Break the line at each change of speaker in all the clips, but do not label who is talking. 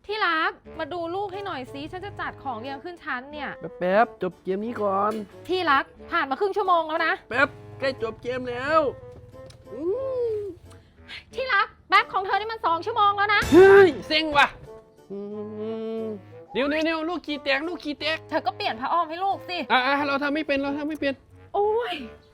ที่รักมาดูลูกให้หน่อยสิฉันจะจัดของเรียงขึ้นชั้นเนี่ย
แป๊บจบเกมนี้ก่อน
ที่รักผ่านมาครึ่งชั่วโมงแล้วนะ
แป๊บใกล้จบเกมแล้วอืม
ที่รักแบ็คของเธอนี่มัน2 ชั่วโมงแล้วนะ
เฮ้ยเซ็งว่ะอืมนิวลูกขี้แตกลูกขี้แตก
เธอก็เปลี่ยนผ้าอ้อมให้ลูกสิ
เราทำไม่เป็นเราทำไม่เป็น
โอ้ย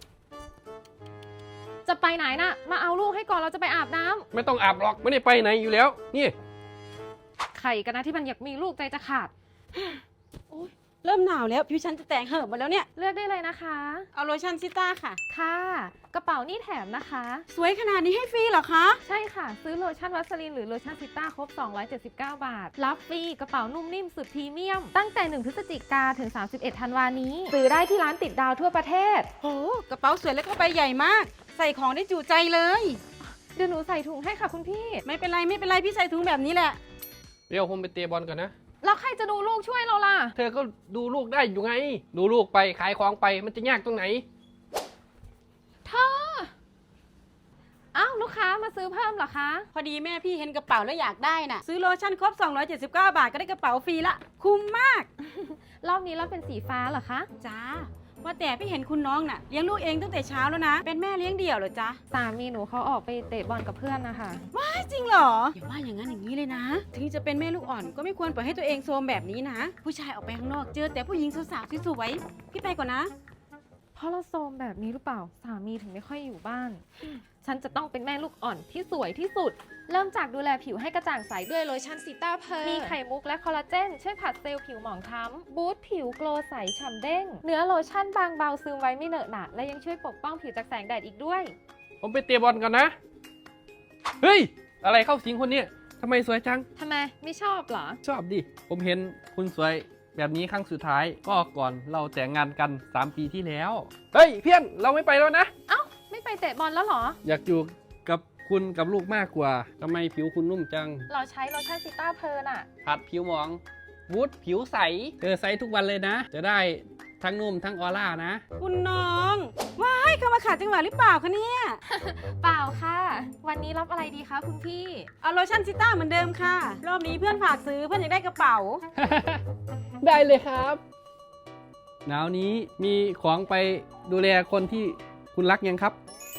จะไปไหนน่ะมาเอาลูกให้ก่อนเราจะไปอาบน้ำ
ไม่ต้องอาบหรอกไม่ได้ไปไหนอยู่แล้วนี่
ใครกันนะที่มันอยากมีลูกใจจะขาด
เริ่มหนาวแล้วผิวฉันจะแตกเหิบหมดแล้วเนี่ย
เลือกได้เลยนะคะ
เอาโลชั่นซิต้าค่ะ
ค่ะกระเป๋านี่แถมนะคะ
สวยขนาดนี้ให้ฟรีเหรอคะ
ใช่ค่ะ ซื้อโลชั่นวัสลินหรือโลชั่นซิต้าครบ 279 บาท รับฟรีกระเป๋านุ่มนิ่มสุดพรีเมียม ตั้งแต่ 1 พฤศจิกาถึง 31 ธันวานี้ ซื้อได้ที่ร้านติดดาวทั่วประเทศ
โอ้กระเป๋าสวยแล้วก็ใบใหญ่มาก ใส่ของได้จุใจเลย
เดี๋ยวหนูใส่ถุงให้ค่ะคุณพี่
ไม่เป็นไรพี่ใส่ถุงแบบนี้แหละ
เดี๋ยวผมไปเตะบอลก่อนนะ
แล้วใครจะดูลูกช่วยเราล่ะ
เธอก็ดูลูกได้อยู่ไง ดูลูกไปขายของไปมันจะยากตรงไหน
เธอ อ้าวลูกค้ามาซื้อเพิ่มเหรอคะ
พอดีแม่พี่เห็นกระเป๋าแล้วอยากได้น่ะ ซื้อโลชั่นครบ 279 บาทก็ได้กระเป๋าฟรีละ คุ้มมาก
รอบนี้เราเป็นสีฟ้าเหรอคะ
จ้าว่าแต่พี่เห็นคุณน้องน่ะเลี้ยงลูกเองตั้งแต่เช้าแล้วนะ เป็นแม่เลี้ยงเดี่ยวเหรอจ๊ะ
สามีหนูเขาออกไปเตะบอลกับเพื่อนนะคะ
จริงเหรอ อย่าว่าอย่างนั้นอย่างนี้เลยนะ ถึงจะเป็นแม่ลูกอ่อนก็ไม่ควรปล่อยให้ตัวเองโซมแบบนี้นะ ผู้ชายออกไปข้างนอกเจอแต่ผู้หญิงสาวๆสวยๆพี่ไปก่อนนะ
เพราะเราโซมแบบนี้หรือเปล่า สามีถึงไม่ค่อยอยู่บ้าน ฉันจะต้องเป็นแม่ลูกอ่อนที่สวยที่สุด เริ่มจากดูแลผิวให้กระจ่างใสด้วยโลชั่นซิต้าเพอร์มีไข่มุกและคอลลาเจนช่วยผัดเซลล์ผิวหมองคล้ำบูสต์ผิวโกลว์ใสฉ่ำเด้ง เนื้อโลชั่นบางเบาซึมไว้ไม่เหนอะหนะและยังช่วยปกป้องผิวจากแสงแดดอีกด้วย
ผมไปเตะบอลก่อนนะ เฮ้ย อะไรเข้าสิงคนเนี้ยทำไมสวยจัง
ทำไมไม่ชอบเหรอ
ชอบดิ ผมเห็นคุณสวยแบบนี้ครั้งสุดท้าย ก็ก่อนเราแต่งงานกัน 3 ปีที่แล้ว เฮ้ยเพี้ยนเราไม่ไปแล้วนะ
เอ้าไม่ไปเตะบอลแล้วเหรอ
อยากอยู่กับคุณกับลูกมากกว่าทำไมผิวคุณนุ่มจัง
เราใช้โลชั่นซิต้าเพอร์น่ะ
ผัดผิวหมองวูดผิวใสเธอใสทุกวันเลยนะ จะได้ทั้งนุ่มทั้งออร่านะ
คุณน้องว้ายเข้ามาขาดจังหวะหรือเปล่าคะเนี่ย
เปล่าค่ะ วันนี้รับอะไรดีคะคุณพี่
เอาโลชั่นซิต้าเหมือนเดิมค่ะ รอบนี้เพื่อนฝากซื้อเพื่อนอยากได้กระเป๋า
ได้เลยครับหนาวนี้มีของไปดูแลคนที่คุณรักยังครับ